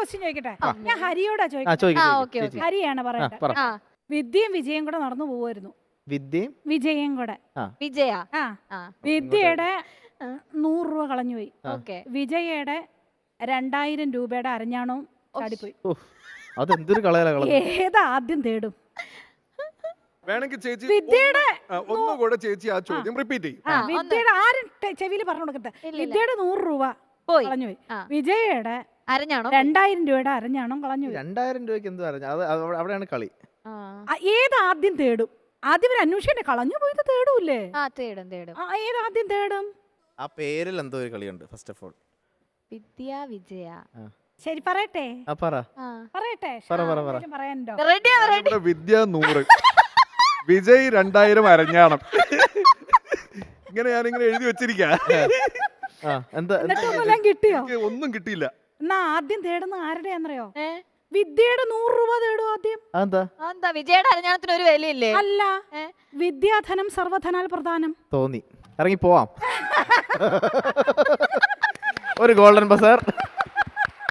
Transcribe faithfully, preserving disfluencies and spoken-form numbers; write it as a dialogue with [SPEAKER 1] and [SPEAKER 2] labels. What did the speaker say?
[SPEAKER 1] Question ചോദിക്കട്ടെ? ഞാൻ ഹരിയോടാ
[SPEAKER 2] ആ
[SPEAKER 1] ചോദിക്കട്ടെ.
[SPEAKER 2] ചോദിക്കാം
[SPEAKER 3] ഓക്കെ ഓക്കെ
[SPEAKER 1] ഹരിയാണ് പറയട്ടെ.
[SPEAKER 2] പറ
[SPEAKER 3] ആ
[SPEAKER 1] വിദ്യയും വിജയം കൂടെ നടന്നു പോവായിരുന്നു.
[SPEAKER 2] വിദ്യയും
[SPEAKER 1] വിജയം കൂടെ.
[SPEAKER 3] വിജയ
[SPEAKER 1] ആ
[SPEAKER 3] ആ
[SPEAKER 1] വിദ്യയുടെ നൂറ് രൂപ കളഞ്ഞുപോയി.
[SPEAKER 3] ഓക്കെ
[SPEAKER 1] വിജയയുടെ രണ്ടായിരം രൂപയുടെ അരഞ്ഞാണവും ചാടിപ്പോയി.
[SPEAKER 2] അതെന്തൊരു കളയല കളഞ്ഞു.
[SPEAKER 1] ഏതാ ആദ്യം തേടും?
[SPEAKER 4] വേണമെങ്കിൽ ചേച്ചി
[SPEAKER 1] വിദ്യയുടെ
[SPEAKER 4] ആ, ഒന്നുകൂടെ ചേച്ചി ആ ചോദ്യം റിപ്പീറ്റ് ചെയ്യും.
[SPEAKER 1] ആ, വിദ്യയുടെ ആരും ചെവിയിൽ പറഞ്ഞു കൊടുക്കട്ടെ. വിദ്യയുടെ നൂറ് രൂപ
[SPEAKER 3] പോയി
[SPEAKER 1] കളഞ്ഞുപോയി.
[SPEAKER 3] ആ.
[SPEAKER 1] വിജയയുടെ
[SPEAKER 3] അരഞ്ഞാണോ
[SPEAKER 1] രണ്ടായിരം രൂപയുടെ അരഞ്ഞാണം കളഞ്ഞുപോയി.
[SPEAKER 2] രണ്ടായിരം രൂപയ്ക്ക് എന്ത് പറഞ്ഞു? അത് അവ- അവിടെയാണ് കളി.
[SPEAKER 3] ആ
[SPEAKER 1] ആ, ഏത് ആദ്യം തേടും? ആദ്യം ഒരു അന്വേഷണേ കളഞ്ഞു പോയത് തേടൂല്ലേ?
[SPEAKER 3] ആ തേടും തേടും
[SPEAKER 1] ആ, ഏത് ആദ്യം തേടും?
[SPEAKER 2] ആ പേരിൽ എന്തോ ഒരു കളിയുണ്ട്. First of all
[SPEAKER 3] Vidya Vijaya
[SPEAKER 1] ശരി പറയട്ടെ
[SPEAKER 2] ആ പറ
[SPEAKER 3] ആ
[SPEAKER 1] പറയട്ടെ
[SPEAKER 2] പറ, പറ, പറ.
[SPEAKER 1] എന്തെങ്കിലും പറയാനുണ്ടോ?
[SPEAKER 3] റെഡിയാ റെഡി
[SPEAKER 4] ഇവിടെ വിദ്യ നൂറ്, വിജയ് രണ്ടായിരം അരഞ്ഞാണം. ഇങ്ങനെ ഞാനിങ്ങനെ എഴുതി വെച്ചിരിക്കാ.
[SPEAKER 2] ആ എന്താ
[SPEAKER 1] എന്നിട്ടൊന്നെല്ലാം കിട്ടിയോ?
[SPEAKER 4] എനിക്ക് ഒന്നും കിട്ടിയില്ല.
[SPEAKER 1] എന്നാ ആദ്യം തേടുന്ന ആരുടെയാന്നറിയോ?
[SPEAKER 3] ഏ
[SPEAKER 1] വിദ്യയുടെ നൂറ് രൂപ തേടും ആദ്യം.
[SPEAKER 2] അതെന്താ
[SPEAKER 3] എന്താ വിജയുടെ അരഞ്ഞാണത്തിന് ഒരു വിലയില്ലേ
[SPEAKER 1] അല്ല,
[SPEAKER 3] ഏ?
[SPEAKER 1] വിദ്യാധനം സർവധനാൽ പ്രധാനം.
[SPEAKER 2] തോന്നി ഇറങ്ങി പോവാം. ഒരു ഗോൾഡൻ ബസാർ.